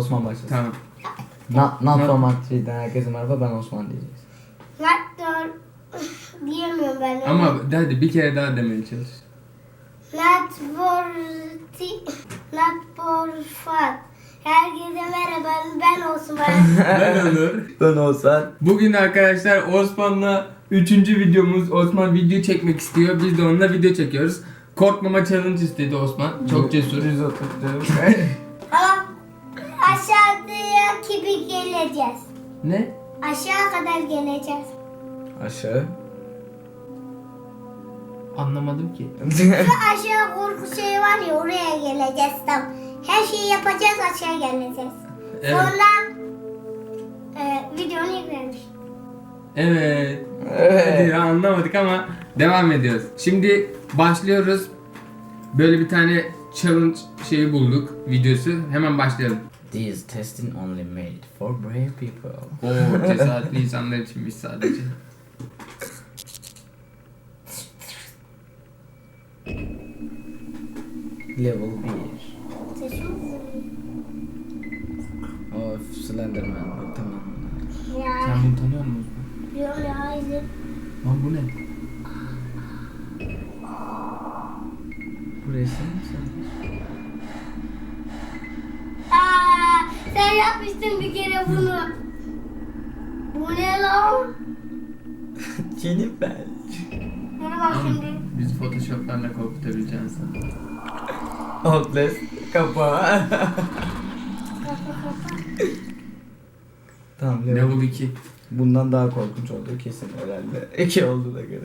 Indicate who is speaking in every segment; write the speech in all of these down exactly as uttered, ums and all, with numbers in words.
Speaker 1: Osman başlasın.
Speaker 2: Tamam.
Speaker 1: Not, not
Speaker 2: Not-
Speaker 1: from Montreal'den herkese merhaba, ben Osman diyeceğiz.
Speaker 3: Not diyemiyorum ben.
Speaker 2: Ama hadi bir kere daha demeye çalış.
Speaker 3: Not for ti- not for fun. Herkese merhaba, ben Osman.
Speaker 2: Ben Onur.
Speaker 1: Ben olsan.
Speaker 2: Bugün arkadaşlar Osman'la üçüncü videomuz. Osman video çekmek istiyor. Biz de onunla video çekiyoruz. Korkmama challenge istedi Osman. Çok cesur.
Speaker 1: yüz otuz.
Speaker 3: Ama aşağıya gibi geleceğiz.
Speaker 2: Ne?
Speaker 3: Aşağı kadar geleceğiz.
Speaker 1: Aşağı.
Speaker 2: Anlamadım ki.
Speaker 3: Şu aşağı korku şey var ya, oraya geleceğiz tam. Her şeyi yapacağız, aşağı geleceğiz.
Speaker 2: Evet.
Speaker 3: Sonra e, videonu yüklemiş.
Speaker 2: Evet.
Speaker 1: Evet.
Speaker 2: Hadi ya, anlamadık ama devam ediyoruz. Şimdi başlıyoruz. Böyle bir tane challenge şeyi bulduk, videosu. Hemen başlayalım.
Speaker 1: These testing only made for brave people.
Speaker 2: Oo, cesaretli insanlar içinmiş sadece.
Speaker 1: Level bir.
Speaker 3: Sesim
Speaker 1: Of, Slenderman bu, tamam.
Speaker 3: ya.
Speaker 2: Sen bunu tanıyor musun?
Speaker 3: Yok ya, hayır.
Speaker 2: Lan bu ne?
Speaker 1: Bu resim mi sen?
Speaker 3: Aa, sen yapmıştın bir kere bunu. Bu ne lan?
Speaker 1: Jennifer.
Speaker 3: Bana bak
Speaker 2: Ama
Speaker 3: şimdi.
Speaker 2: biz photoshoplarla korkutabileceğiz sana.
Speaker 1: Outlast kapağı. Tamam, level.
Speaker 2: Level iki.
Speaker 1: Bundan daha korkunç olduğu kesin herhalde. İki olduğuna göre.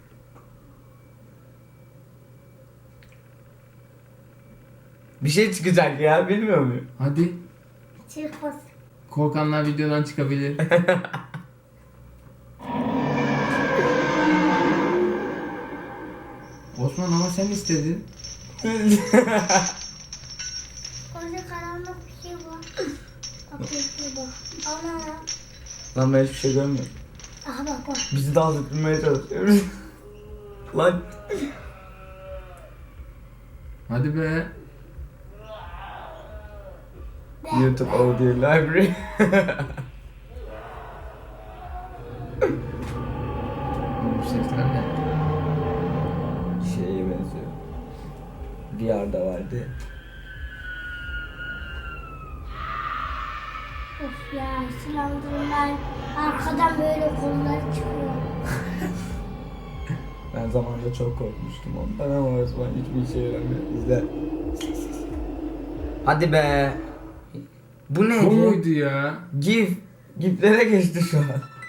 Speaker 1: Bir şey çıkacak ya, bilmiyor muyum?
Speaker 2: Hadi.
Speaker 3: Çıkmaz.
Speaker 2: Korkanlar videodan çıkabilir. Osman ama sen istedin.
Speaker 3: Orada karanlık bir şey var. Bak bir bak. Ana.
Speaker 1: Lan ben hiçbir şey görmüyorum.
Speaker 3: Aha bak bak.
Speaker 1: Bizi dans ettirmeye çalışıyoruz. Lan.
Speaker 2: Hadi be.
Speaker 1: YouTube Audio Library.
Speaker 2: Bu sesler ne?
Speaker 1: Şeye benziyor. V R'da vardı.
Speaker 3: Of ya, silahlarından arkadan böyle kollar çıkıyor.
Speaker 1: Ben zamanında çok korkmuştum ondan ama Osman hiçbir işe yaramıyor. İzle. Hadi be. Bu neydi?
Speaker 2: Bu muydu ya?
Speaker 1: GIF. GIF'lere geçti şu an.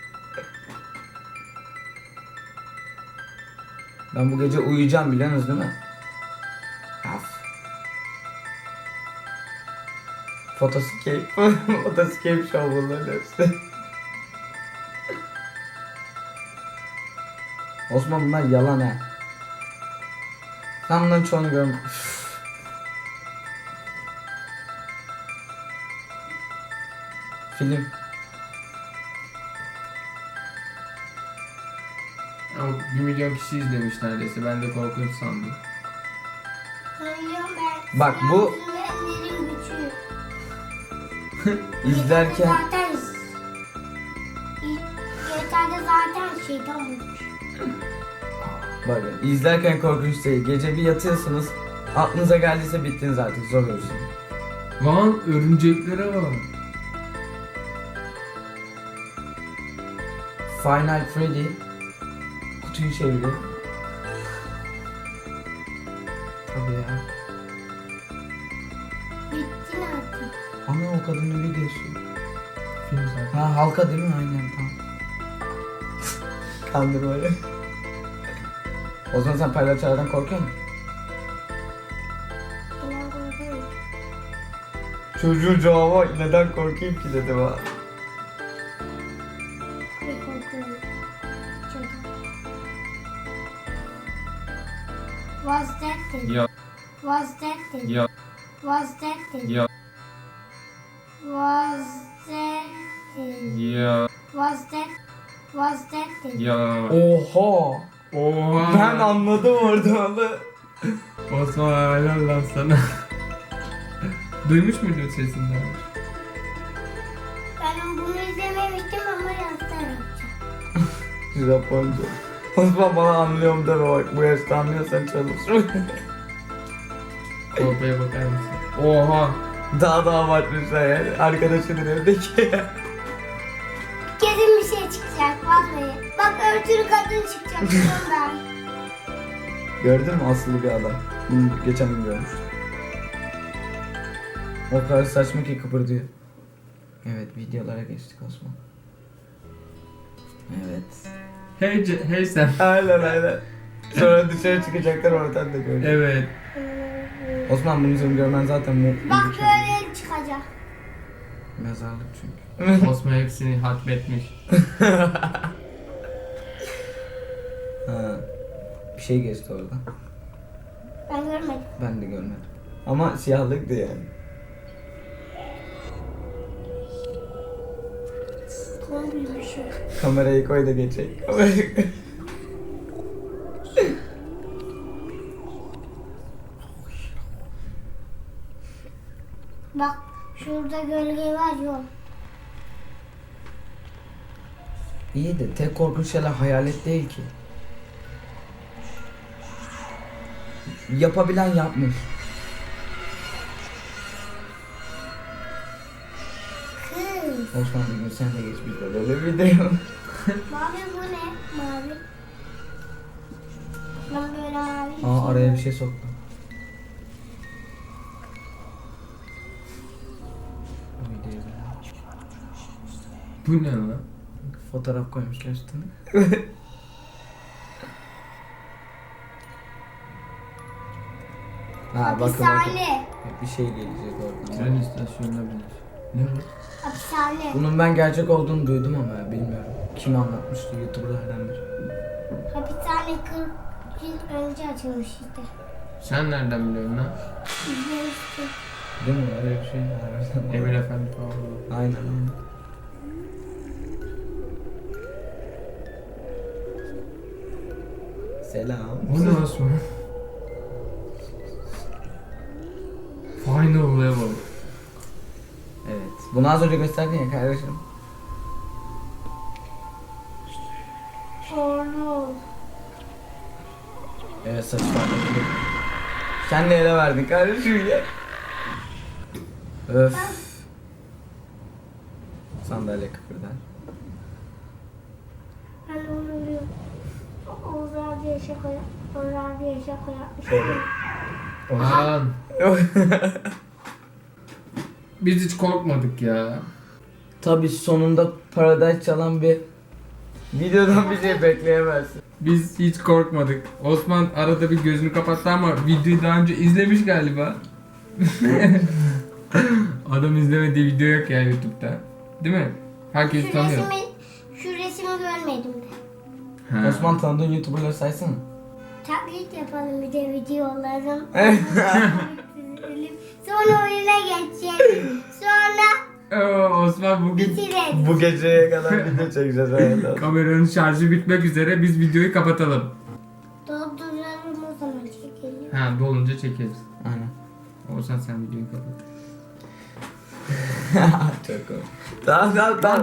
Speaker 1: Ben bu gece uyuyacağım, biliyorsunuz değil mi? Af. Photoscape. Photoscape show bunların hepsi. Osman, bunlar yalan ha. Sen bunların çoğunu görme. Film.
Speaker 2: Ama bir milyon kişi izlemiş neredeyse. Ben de korkunç sandım.
Speaker 3: Söylüyorum ben.
Speaker 1: Bak bu-
Speaker 3: Silahlarının gücü.
Speaker 1: İzlerken
Speaker 3: Zaten yeterli zaten şeytan bulmuş.
Speaker 1: bakın, izlerken korkunç değil. Gece bir yatıyorsunuz. Aklınıza geldiyse bittiniz artık, zor olsun.
Speaker 2: Lan örümceklere bak.
Speaker 1: Final Freddy kutuyu çeviriyor. Tabii ya.
Speaker 3: Bittin artık.
Speaker 1: Ana, o kadının videosu.
Speaker 2: Film zaten.
Speaker 1: Ha, halka değil mi? Aynen, tamam. Kandır böyle. O zaman sen palyaçolardan korkuyor musun?
Speaker 3: İnan korkuyorum.
Speaker 1: Çocuğun cevabı neden korkayım ki dedi bana.
Speaker 3: Tabii korkuyorum. Çok. Was that thing?
Speaker 2: Ya
Speaker 3: Was that thing?
Speaker 2: ya
Speaker 3: Was that thing?
Speaker 2: ya
Speaker 3: Was that thing?
Speaker 2: ya
Speaker 3: Was that? Was that thing?
Speaker 2: ya.
Speaker 1: Oha!
Speaker 2: Oha.
Speaker 1: Ben anladım orada onu.
Speaker 2: Osman helal lan sana. Duymuş muydun sesini?
Speaker 3: Ben bunu izlememiştim ama yazdım.
Speaker 1: Japonca. Osman bana anlıyorum deme bak. Bu yaşta anlıyorsan çalış.
Speaker 2: Kolpaya bakar mısın? Oha.
Speaker 1: Daha da abartmışlar yani. Arkadaşının evdeki.
Speaker 3: Kesin bir şey çıkacak vallahi. Bak örtülü kadın çıkacak diyorum ben.
Speaker 1: Gördün mü aslı bir adam? Bunu geçen gün görmüş. O kadar saçma ki kıpırdıyor. Evet videolara geçtik Osman. Evet.
Speaker 2: Hey, Ce- hey sen.
Speaker 1: Aynen aynen. Sonra dışarı çıkacaklar oradan da görecek.
Speaker 2: Evet.
Speaker 1: Osman bunu senin görmen zaten mu
Speaker 3: Bak böyle çıkacak.
Speaker 1: mezarlık çünkü.
Speaker 2: Osman hepsini hatmetmiş.
Speaker 1: Ha. Bir şey geçti orada.
Speaker 3: Ben görmedim.
Speaker 1: Ben de görmedim. Ama siyahlıktı yani.
Speaker 3: Kombi bir şey.
Speaker 1: Kamerayı koy da geçecek. Kamerayı koy.
Speaker 3: Bak şurada gölge var yok.
Speaker 1: İyi de tek korkunç şeyler hayalet değil ki. Yapabilen yapmış.
Speaker 3: Kız.
Speaker 1: Osman bir gün sen de geç bir de böyle video.
Speaker 3: Mavi bu ne? Mavi. Ben böyle mavi.
Speaker 1: Aa araya bir şey soktum. Bu videoyu böyle.
Speaker 2: Bu ne lan?
Speaker 1: Fotoğraf koymuşlar üstüne. Ha bakın bakın.
Speaker 3: Hapishane.
Speaker 1: Bir şey gelecek oradan.
Speaker 2: Tren istasyonuna binir. Ne bu?
Speaker 3: Hapishane.
Speaker 1: Bunun ben gerçek olduğunu duydum ama bilmiyorum. Kim anlatmıştı YouTuber'lardan biri.
Speaker 3: Hapishane kırk yıl önce açılmıştı.
Speaker 2: Sen nereden biliyorsun lan?
Speaker 3: İzlemiştim.
Speaker 1: Değil mi? Öyle bir şey. harbiden.
Speaker 2: Emir Efendi falan.
Speaker 1: Aynen aynen. Selam.
Speaker 2: Bu ne Osman? Final level.
Speaker 1: Evet. Bunu az önce gösterdin ya kardeşim.
Speaker 3: Oğlum.
Speaker 1: Evet saç farklı. Sen ne ele verdin kardeşim ya? Öf. Sandalye kıpırdar.
Speaker 3: Ben onu biliyorum. Oğuz abiye şaka yap. Oğuz abiye şaka yapmış.
Speaker 2: Lan. Biz hiç korkmadık ya.
Speaker 1: Tabii sonunda Paradise çalan bir videodan bir şey bekleyemezsin.
Speaker 2: Biz hiç korkmadık. Osman arada bir gözünü kapattı ama videoyu daha önce izlemiş galiba. Adam izlemediği video yok ya YouTube'da. Değil mi? Herkes
Speaker 3: Şu
Speaker 2: tanıyor.
Speaker 3: resmi, şu resmi görmedim de.
Speaker 2: Ha.
Speaker 1: Osman tanıdığın YouTuber'ları saysana.
Speaker 3: Taklit yapalım bir de videoların. Sonra oyuna geçelim. Sonra
Speaker 2: Oo, Osman bugün
Speaker 3: bitirelim.
Speaker 1: Bu geceye kadar video çekeceğiz herhalde.
Speaker 2: kameranın şarjı bitmek üzere, biz videoyu kapatalım.
Speaker 3: Dolduralım o zaman çekelim.
Speaker 2: Ha, dolunca çekeriz.
Speaker 1: Aynen.
Speaker 2: Olsan sen videoyu kapat.
Speaker 1: Çok komik. Tamam tamam tamam.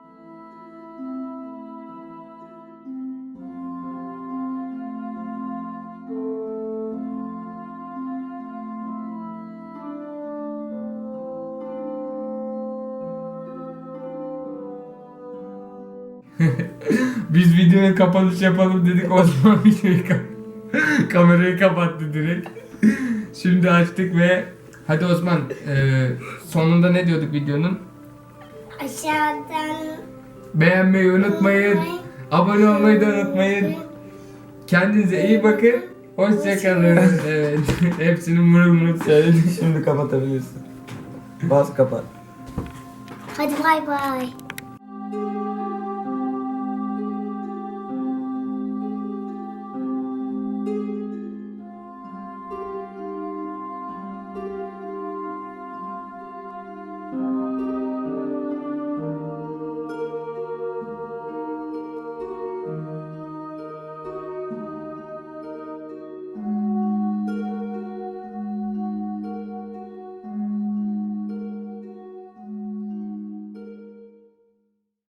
Speaker 2: Biz videoya kapanış yapalım dedik, Osman videoyu kap kamerayı kapattı direkt. Şimdi açtık ve hadi Osman, e, sonunda ne diyorduk videonun?
Speaker 3: Aşağıdan
Speaker 2: Beğenmeyi unutmayın, abone olmayı da unutmayın. Kendinize iyi bakın. Hoşçakalın. Evet. Hepsini mırıl mırıl söyledim.
Speaker 1: Şimdi kapatabilirsin. Bas kapat.
Speaker 3: hadi bay bay.